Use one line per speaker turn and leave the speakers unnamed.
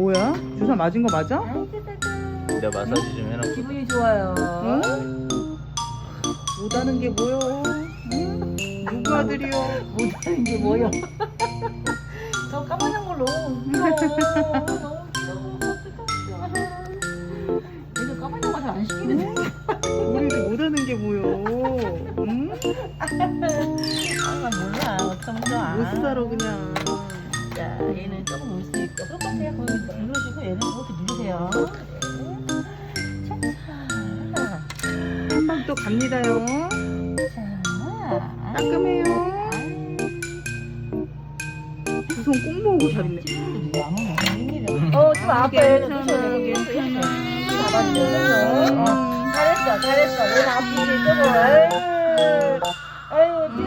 뭐야? 주사 맞은 거 맞아?
내가 마사지 좀 해놨고.
기분이 좋아요.
응? 못하는 게 뭐여? 응? 누구 아들이여?
못하는 게 뭐야? 저 까만 걸로. 귀여워. 너무 귀여워. 얘도 까만 거 잘 안 시키는데.
우리도 못하는 게 뭐여? 응?
아 몰라. 어쩜 좋아.
못 살아 그냥.
자, 얘는 조금 올 수 있고 똑같아요. 거기 누르시고 얘는 이렇게 누르세요. 자,
한방 또 갑니다요.
자,
따끔해요. 두 손 꼭 모으고 잘 있네.
좀 아파요.
괜찮아, 괜찮아.
잘했어. 얘는 아프지 조금.